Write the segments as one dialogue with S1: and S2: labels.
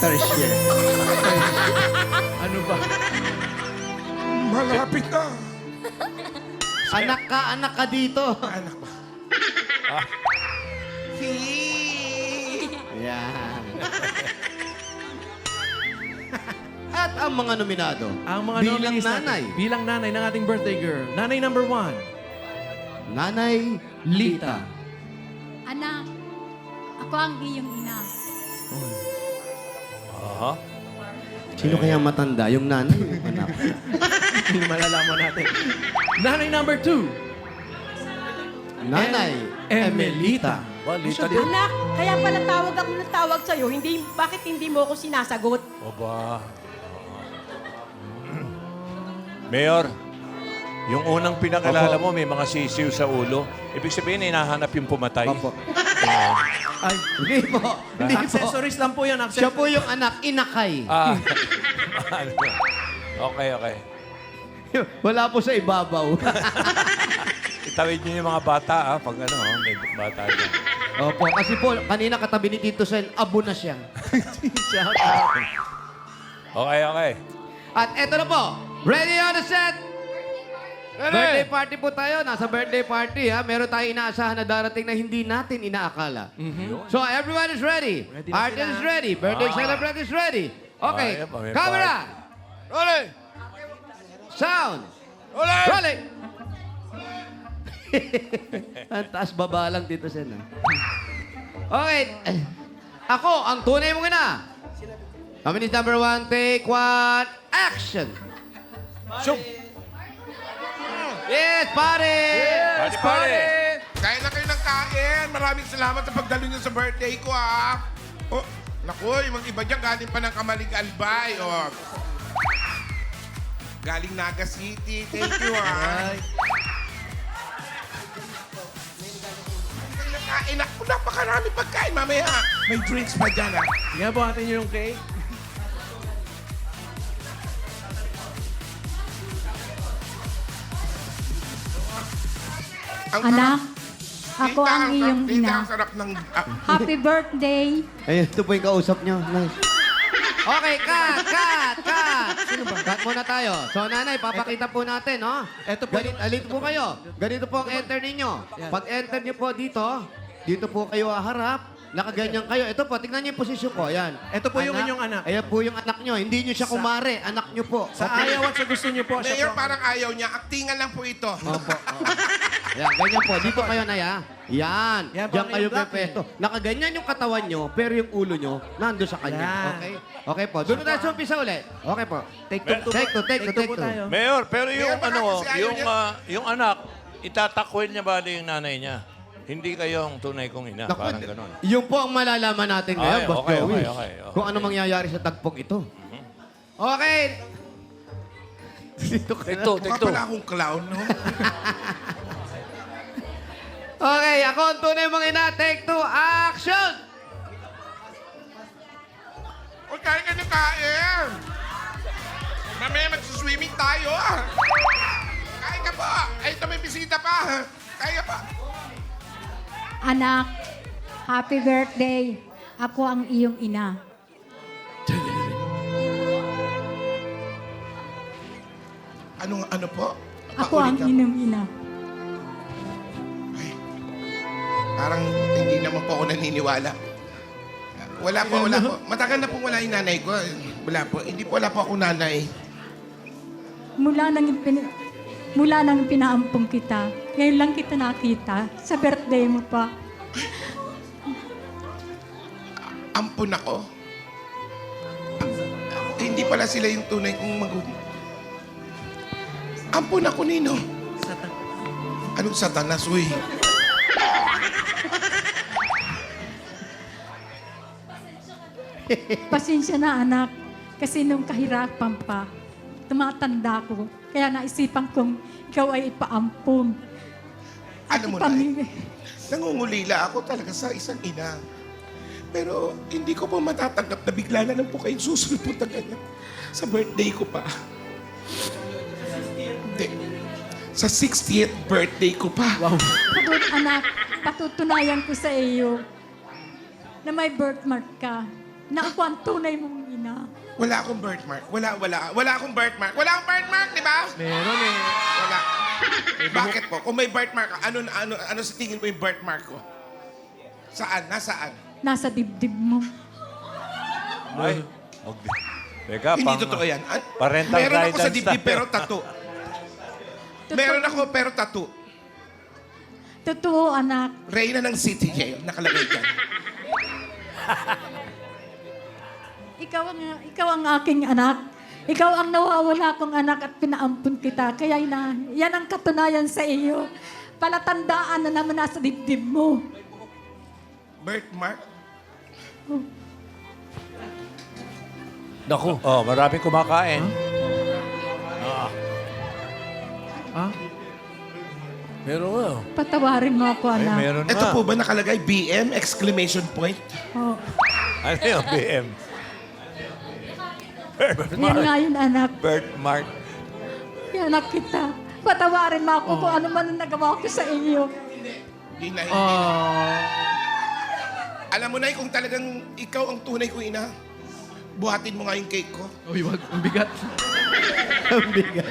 S1: Tarsier.
S2: Ano ba?
S3: Malapit na.
S1: Anak ka dito.
S3: Anak ba?
S1: Yan. At ang mga nominado.
S2: Ang mga
S1: bilang
S2: nominees natin.
S1: nanay.
S2: Bilang nanay ng ating birthday girl. Nanay number 1.
S1: Nanay Lita.
S4: Anak, ako ang iyong ina.
S5: Aha.
S1: Sino kaya matanda? Yung nanay o yung anak?
S2: Hindi malalaman natin. Nanay number 2.
S1: Nanay Emelita.
S5: Balita din.
S6: Anak, kaya pala tawag ako ng tawag sa'yo. Hindi, bakit hindi mo ako sinasagot?
S5: Aba. Mayor, yung unang pinakilala
S1: Opo.
S5: mo, may mga sisiw sa ulo. Ibig sabihin, hinahanap yung pumatay.
S1: Opo.
S2: Ay,
S1: Hindi po. Hindi po.
S2: accessories lang po yan.
S1: Siya po yung anak, inakay.
S5: Ah. Okay, okay.
S1: Wala po sa ibabaw.
S5: Itawid niyo yung mga bata, pag ano, may bata dyan.
S1: Opo, kasi po, kanina katabi ni Tito Sen, abo na siya.
S2: Shout out.
S5: Okay, okay.
S1: At eto na po, ready on the set! Birthday party po tayo. Nasa birthday party, ha? Meron tayong inaasahan na darating na hindi natin inaakala. So, everyone is ready.
S2: Ready na
S1: Artist
S2: sila.
S1: is ready. Birthday celebrant is ready. Okay,
S5: Ayan pa, may
S1: camera!
S5: Rolling!
S1: Sound!
S5: Rolling!
S1: Rolling! Ang taas baba lang dito, Sen. Okay. Ako, ang tunay mong ina. Kami number 1, take 1, action!
S5: Shoot!
S1: Yes, pare!
S5: Party, party!
S3: Kain na kayo ng kain. Maraming salamat sa pagdalo niyo sa birthday ko, ha. Oh, naku, yung mga iba dyan galing pa ng Kamalig Albay. Oh. Galing Naga City. Thank you, ha. Kain ako. Napakarami pagkain. Mamaya, may drinks pa dyan, ha.
S2: Sige po natin yung cake.
S4: Anak, ako
S3: Tita,
S4: ang iyong
S3: tita,
S4: ina.
S3: ang sarap ng...
S4: Happy birthday.
S1: Ayun, ito po yung kausap nyo. Nice. Okay, cut! Sino ba? Cut muna tayo. So, nanay, papakita po natin, no?
S2: Ito po
S1: Alito po kayo. Ganito po ang enter ninyo.
S2: Yan.
S1: Pag enter nyo po dito po kayo haharap. Nakaganyan kayo. Ito po, tingnan niyo yung posisyon ko. Ayan.
S2: Ito po yung inyong anak.
S1: Ayan po yung anak nyo. Hindi nyo siya kumare. Anak nyo po.
S2: Sa ayaw at sa gusto niyo po.
S3: Mayor,
S2: Siya po.
S3: parang ayaw niya. Aktingan lang po ito.
S1: Opo. Ayan, ganyan po. Dito kayo na ya. Yan.
S2: Yan po
S1: Diyan
S2: ang
S1: kayo
S2: iyong black
S1: pepesto. Nakaganyan yung katawan nyo, pero yung ulo nyo, nando sa kanya.
S2: Yan.
S1: Okay? Okay po. Doon na tayo sa umpisa ulit. Okay po.
S2: Take two.
S1: Take two.
S2: po tayo.
S5: Mayor, pero yung
S3: Mayor, baka kasi ayaw niya.
S5: yung anak, itatakwil niya ba yung nanay niya? Hindi kayo ang tunay kong ina,
S1: Naku,
S5: parang ganon.
S1: Yung po ang malalaman natin ngayon,
S5: Ay,
S1: Boss
S5: okay,
S1: Joey.
S5: okay.
S1: Kung ano mangyayari sa tagpong ito. Okay. Dito ka na.
S3: Mukha pala akong clown, no?
S1: Okay, ako ang tunay mong ina. Take 2, action!
S3: O, kain ka ng kain. Mamaya magsuswimming tayo, ah. Kain ka po. Ay, ito may bisita pa. Kain ka pa.
S4: Anak, happy birthday. Ako ang iyong ina.
S3: Ano po?
S4: Ako ang
S3: Paulit ka.
S4: iyong ina.
S3: Ay, parang hindi naman po ako naniniwala. Wala po. Matagal na po wala yung nanay ko. Wala po. Hindi po wala po ako nanay.
S4: Mula nang pinaampong kita, ngayon lang kita nakita sa birthday mo pa.
S3: Ampun ako. Hindi pala sila yung tunay kong magulang. Ampun ako, Nino. Anong satanas, uy?
S4: Pasensya na anak, kasi nung kahirapan pa, tumatanda ko. Kaya naisipan kong ikaw ay ipaampun.
S3: Alam mo na, nangungulila ako talaga sa isang ina. Pero hindi ko po matatanggap na bigla na lang po kayong susunod po ganyan. Sa birthday ko pa. Hindi. Sa 60th birthday ko pa. Wow.
S4: Anak, patutunayan ko sa iyo na may birthmark ka. na ako ang tunay mong ina.
S3: Wala akong birthmark. Wala akong birthmark. Wala akong birthmark, di ba?
S2: Meron eh.
S3: Wala. Bakit po? Kung may birthmark, ano sa tingin mo yung birthmark ko? Saan? Nasaan?
S4: Nasa dibdib mo.
S5: Ay. Teka,
S3: Hindi totoo yan.
S5: parental
S3: Meron ako sa
S5: guidance
S3: dibdib
S5: tayo.
S3: pero tattoo. Meron ako pero tattoo.
S4: Totoo, anak.
S3: Reyna ng City Jail. Nakalagay dyan.
S4: Ikaw ang aking anak. Ikaw ang nawawala kong anak at pinaampun kita. Kaya yan ang katunayan sa iyo. Palatandaan na naman nasa dibdib mo.
S3: Birthmark?
S2: Naku.
S5: Oh, maraming kumakain.
S2: Ah? Meron nga.
S4: Patawarin mo ako,
S5: Ay,
S4: anak.
S5: meron
S3: Ito
S5: nga.
S3: po ba nakalagay BM? Exclamation point?
S4: Oh.
S5: Ano yung BM?
S4: Yan nga yun, anak.
S5: Birthmark.
S4: Yan, anak kita. Patawarin mo ako kung ano man ang nagawa ko sa iyo.
S3: Di na
S2: Ah.
S3: Alam mo na kung talagang ikaw ang tunay kong ina, buhatin mo nga yung cake ko.
S2: Uy, wag. Ang bigat.
S1: Ang bigat.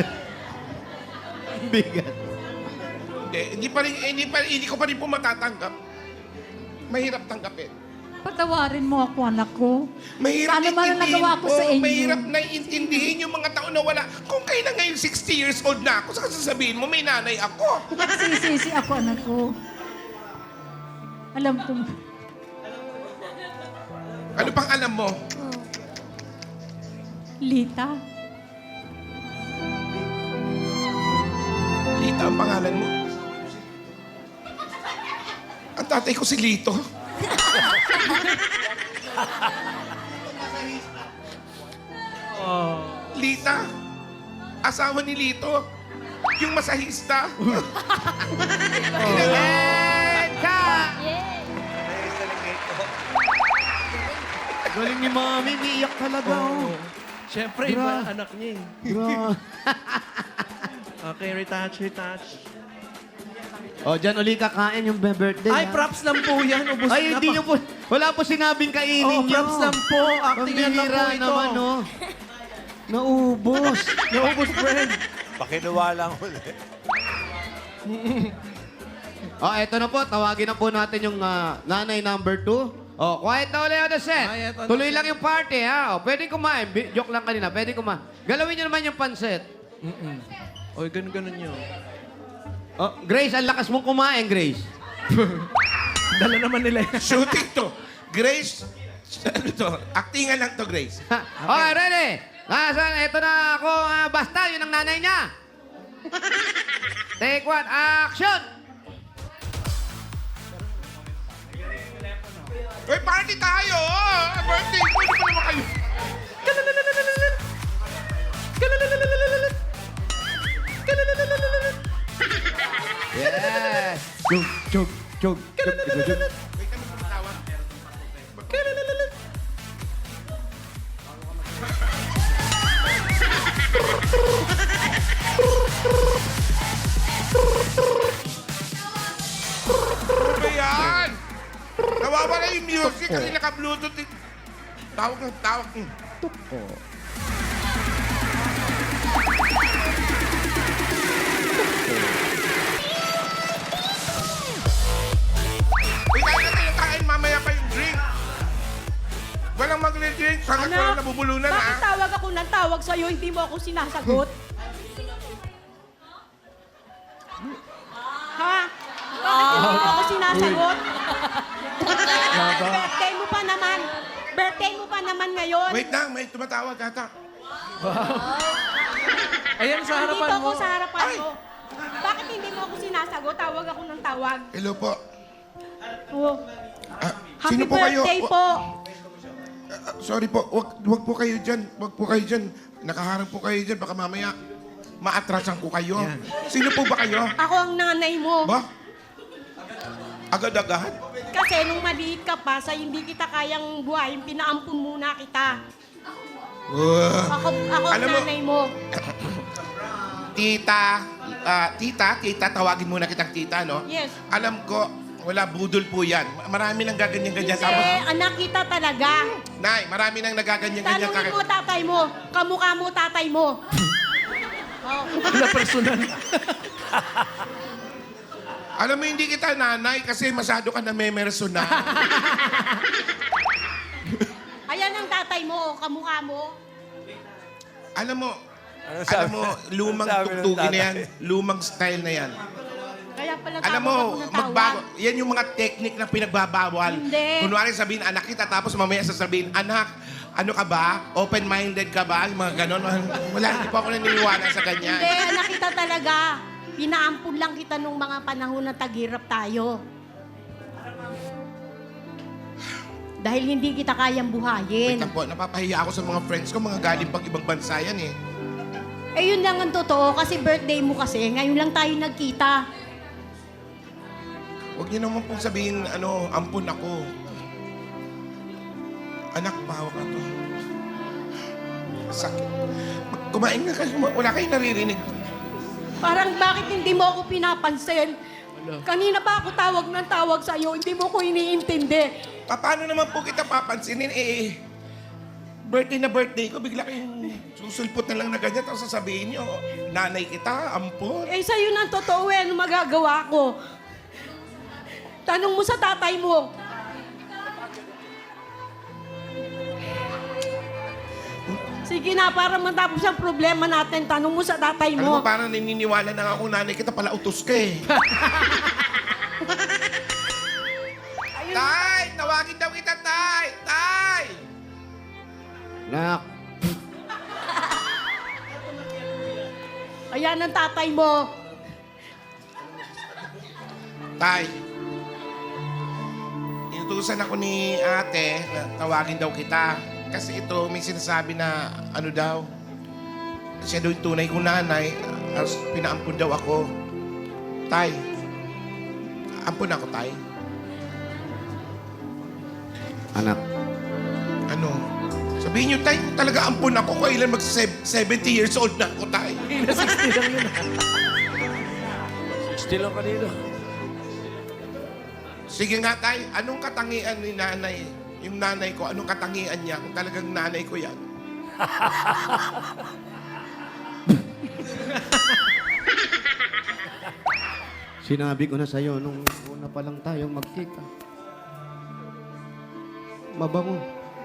S1: Ang bigat.
S3: Hindi ko pa rin po matatanggap. Mahirap tanggapin.
S4: Patawarin mo ako, anak ko.
S3: Mahirap
S4: Ano man ang nagawa ko sa inyo?
S3: Mahirap na intindihin yung mga tao na wala. Kung kayo na ngayon 60 years old na ako, saka sasabihin mo may nanay ako.
S4: Nagsisisi ako, anak ko. Alam ko.
S3: Ano pang alam mo?
S4: Lita.
S3: Lita ang pangalan mo. Ang tatay ko si Lito. Lita. Asawa ni Lito. Yung masahista.
S1: And cut! Galing ni Mami, umiiyak talaga. Oh.
S2: Siyempre, iba ang anak niya eh.
S1: Gra-
S2: Okay, retouch, retouch.
S1: Oh, dyan uli kakain yung birthday.
S2: Ay,
S1: ha?
S2: props lang po yan. Ubus
S1: Ay,
S2: na
S1: hindi
S2: pa.
S1: nyo po. Wala po sinabing kainin
S2: Oh,
S1: nyo.
S2: props lang po. Acting yan lang po
S1: Pambihira
S2: ito.
S1: naman, no? Naubos.
S2: Naubos, friend.
S5: Pakinuwa lang ulit.
S1: Oh, eto na po. Tawagin na po natin yung nanay number 2. Oh, quiet na ulit on the set.
S2: Quiet on the
S1: Tuloy
S2: set.
S1: lang yung party, ha? Oh, pwede kumain. Joke lang kanina. Pwede kumain. Galawin nyo naman yung pansit.
S2: Oy, ganun-ganun nyo.
S1: Oh, Grace, ang lakas mong kumain, Grace.
S2: Dala naman nila yan.
S3: Shooting to. Grace, ano to? Actingan lang to, Grace.
S1: Okay, ready? Nasaan? Ito na ako. Basta, yun ang nanay niya. Take one. Action!
S3: Uy, party tayo! Birthday ko, hindi pa naman kayo.
S1: Yes! Chug, chug, chug.
S3: Wait, ano tumatawag? Ano ba yan? Nawawala yung music kasi naka-bluetooth. Tawag ng tawag. Uy, kain na tayo kain. Mamaya pa yung drink. Walang magre-drink. Sana ka lang nabubulunan,
S6: bakit
S3: ha?
S6: tawag ako ng tawag sa'yo, hindi mo ako sinasagot? Ha? Bakit hindi mo ako sinasagot? Birthday mo pa naman. Birthday mo pa naman ngayon.
S3: Wait lang, may tumatawag ata.
S2: Ayan sa
S6: Nandito
S2: harapan
S6: ako
S2: mo.
S6: sa harapan
S3: Ay!
S6: mo. Bakit hindi mo ako sinasagot? Tawag ako ng tawag.
S3: Hello po.
S6: Oh.
S3: Ah,
S6: Happy
S3: sino po kayo?
S6: birthday po.
S3: Sorry po, wag po kayo dyan. Wag po kayo dyan. Nakaharap po kayo dyan. Baka mamaya maatrasan ko kayo.
S2: Yan.
S3: Sino po ba kayo?
S6: Ako ang nanay mo.
S3: Ba? Agad-agad?
S6: Kasi nung maliit ka pa, sa hindi kita kayang buhayin, pinaampun muna kita. Ako ang
S3: Alam mo-
S6: nanay mo.
S3: Tita, tita, tawagin muna kitang tita, no?
S6: Yes.
S3: Alam ko, Wala, budol po yan. Marami nang gaganyan-ganyan. Tapos,
S6: Anak kita talaga.
S3: Nay, marami nang nagaganyan-ganyan.
S6: Tanungin mo tatay mo. Kamukha mo tatay mo.
S2: Wala personal.
S3: Alam mo, hindi kita nanay kasi masyado ka na memersonal.
S6: Ayan ang tatay mo, kamukha mo.
S3: Alam mo,
S5: Ano sabi-
S3: lumang
S5: ano sabi ng
S3: tuktukin na yan.
S5: tatay?
S3: Lumang style na yan.
S6: Kaya pala
S3: Alam
S6: tawag
S3: mo,
S6: ako ng
S3: magbago.
S6: tawag.
S3: Yan yung mga technique na pinagbabawal.
S6: Hindi.
S3: Kunwari sabihin, anak kita, tapos mamaya sasabihin, anak, ano ka ba? Open-minded ka ba? Yung mga ganon. Wala, hindi pa ako naniniwala sa ganyan.
S6: Hindi, anak kita talaga. Pinaampun lang kita nung mga panahon na taghirap tayo. Dahil hindi kita kayang buhayin.
S3: Wait lang po, napapahiya ako sa mga friends ko, mga galing pang ibang bansa yan eh.
S6: Eh yun lang ang totoo kasi birthday mo kasi. Ngayon lang tayo nagkita.
S3: Huwag niyo naman pong sabihin, ampun ako. Anak, bawa ka to. Sakit. Kumain na kayo, wala kayong naririnig.
S6: Parang bakit hindi mo ako pinapansin? Kanina pa ako tawag ng tawag sa'yo, hindi mo ko iniintindi.
S3: Paano naman po kita papansinin? Birthday na birthday ko, bigla kayong susulpot na lang na ganyan, tapos sasabihin niyo, nanay kita, ampun.
S6: Eh sa'yo na ang totoo ano magagawa ko? Tanong mo sa tatay mo. Sige na, para matapos ang problema natin, tanong mo sa tatay
S3: Alam mo,
S6: mo.
S3: parang naniniwala na nga ako, nanay kita pala utos ka eh. Tay! Tawagin daw kita, Tay! Tay!
S1: Nak,
S6: Ayan ang tatay mo.
S3: Tay, inutusan ako ni ate na tawagin daw kita. Kasi ito, may sinasabi na ano daw, siya daw yung tunay kong nanay, pinaampun daw ako. Tay, ampun ako, Tay.
S1: anak,
S3: Ano? Sabihin niyo, Tay, talaga ampun ako. Kailan mag-70 years old na ako, Tay.
S2: Na 60 lang yun.
S5: 60 lang kanina.
S3: Sige nga, Tay, anong katangian ni nanay? Yung nanay ko, anong katangian niya? Kung talagang nanay ko yan.
S1: sinabi ko na sa'yo nung una pa lang tayong magkita. Mabango.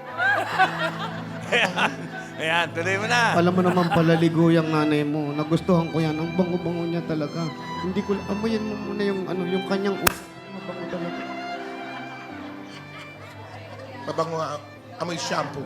S5: Ayan, tuloy mo na.
S1: Alam mo naman palaligo yung nanay mo. Nagustuhan ko yan. Ang bango-bango niya talaga. Hindi ko, amoyin mo muna yung, yung kanyang mabango talaga.
S3: Mabango amoy shampoo.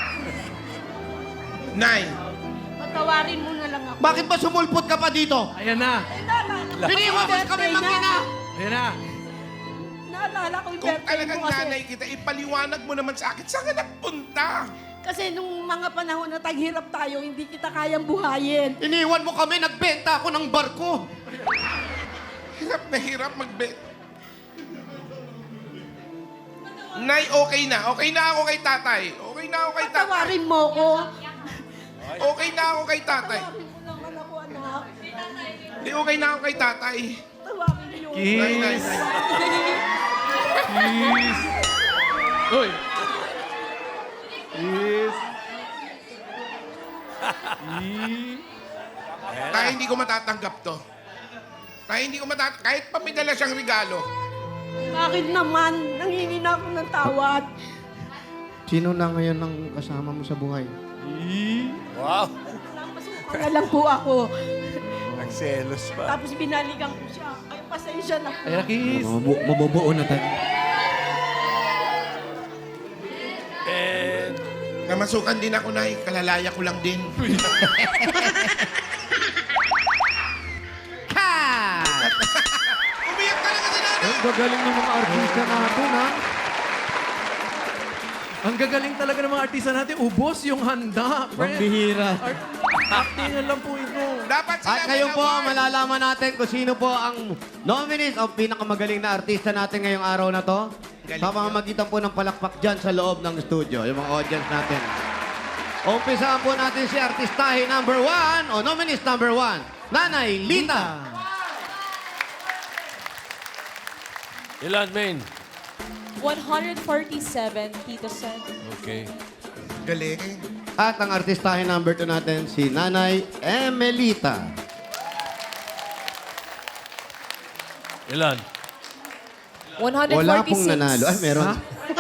S3: Nay,
S6: Patawarin mo na lang ako.
S1: Bakit ba sumulpot ka pa dito?
S2: Ayan na.
S1: Piniwan mo kami mag-ina!
S2: Ayan na.
S6: Naalala ko yung
S3: kung
S6: birthday
S3: talagang
S6: mo kasi.
S3: nanay kita, ipaliwanag mo naman sa akin, saan ka nagpunta?
S6: Kasi nung mga panahon na taghirap tayo, hindi kita kayang buhayin.
S1: Iniwan mo kami, nagbenta ako ng barko.
S3: Hirap na hirap Nay, okay na. Okay na ako kay tatay. Okay na ako kay tatay.
S6: Patawarin mo ko.
S3: Okay na ako kay tatay.
S6: Patawarin mo naman ako, anak.
S3: Hindi, okay na ako kay tatay.
S6: Patawarin mo.
S3: Nay, nay,
S2: Kiss.
S3: nay.
S2: Kiss. Uy. Kiss.
S3: Tay, hindi ko matatanggap to. Tay, hindi ko matatanggap. Kahit pa may dala siyang regalo.
S6: Bakit naman? Nanghingi na ako ng tawad.
S1: Sino na ngayon ang kasama mo sa buhay?
S5: Wow.
S6: Napasukan na lang po ako.
S5: Nagselos pa.
S6: Tapos binalikan ko siya. Ay, pasensya na po.
S2: Ayan, kiss.
S1: Mabubuo na tayo.
S5: And
S3: Namasukan din ako, Nay. Kalalaya ko lang din.
S1: Ka!
S3: Umiyak talaga si nanay.
S1: Ang gagaling ng mga artista natin, ha?
S2: Ang gagaling talaga ng mga artista natin. Ubos yung handa.
S1: Pambihira.
S2: Actingan lang po ito.
S3: Dapat sila
S1: At ngayon
S3: may
S1: po,
S3: award.
S1: malalaman natin kung sino po ang nominees o pinakamagaling na artista natin ngayong araw na to.
S3: Galing
S1: Sa pamamagitan po ng palakpak dyan sa loob ng studio, yung mga audience natin. Umpisaan po natin si artistahe number 1 o nominees number 1, Nanay Lita.
S2: Ilan, Main?
S7: 147, Tito Sen.
S2: Okay.
S3: Galing.
S1: At ang artistahin number 2 natin, si Nanay Emelita.
S2: Ilan?
S7: 146.
S1: Wala pong nanalo. Ay, meron.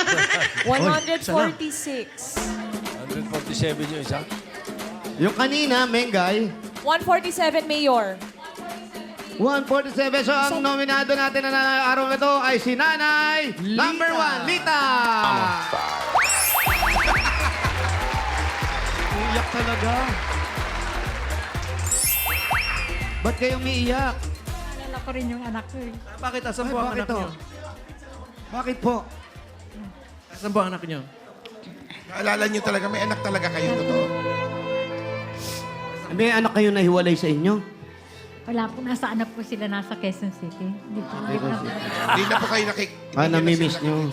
S7: 146.
S2: 147 yung isa?
S1: Yung kanina, Mengay,
S7: 147, Mayor.
S1: 147. So, ang nominado natin na araw na ito ay si Nanay number 1, Lita. Uyak talaga. Ba't kayo umiiyak?
S4: Alala ko rin yung anak ko eh.
S2: Bakit? Asan
S1: Ay,
S2: po ang
S1: bakit
S2: anak
S1: to?
S2: niyo?
S1: Bakit po?
S2: Asan po ang anak niyo?
S3: Naalala niyo talaga, may anak talaga kayo, totoo.
S1: May anak kayo na hiwalay sa inyo?
S4: Wala po, nasa anak ko sila, nasa Quezon City. Hindi po, hindi ko na po.
S3: Hindi na po kayo
S1: namimiss niyo.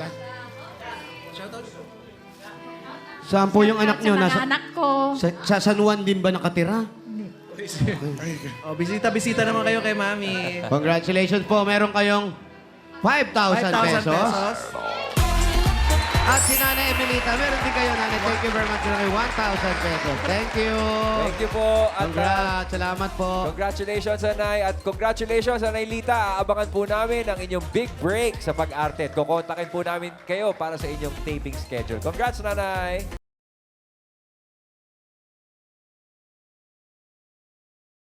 S1: Saan po yung anak
S4: Sa
S1: niyo?
S4: mga anak ko.
S1: Sa San Juan din ba nakatira?
S2: Oh, bisita-bisita naman kayo kay Mami.
S1: Congratulations po. Meron kayong 5,000 pesos. At si Nanay Emelita, meron din kayo, Nanay. Thank you very much. Meron kayo 1,000 pesos. Thank you.
S8: Thank you po. At
S1: Congrats. Salamat po.
S8: congratulations, Anay. At congratulations, Anay Lita. Aabangan po namin ang inyong big break sa pag-arte. At kukontakin po namin kayo para sa inyong taping schedule. Congrats, Nanay.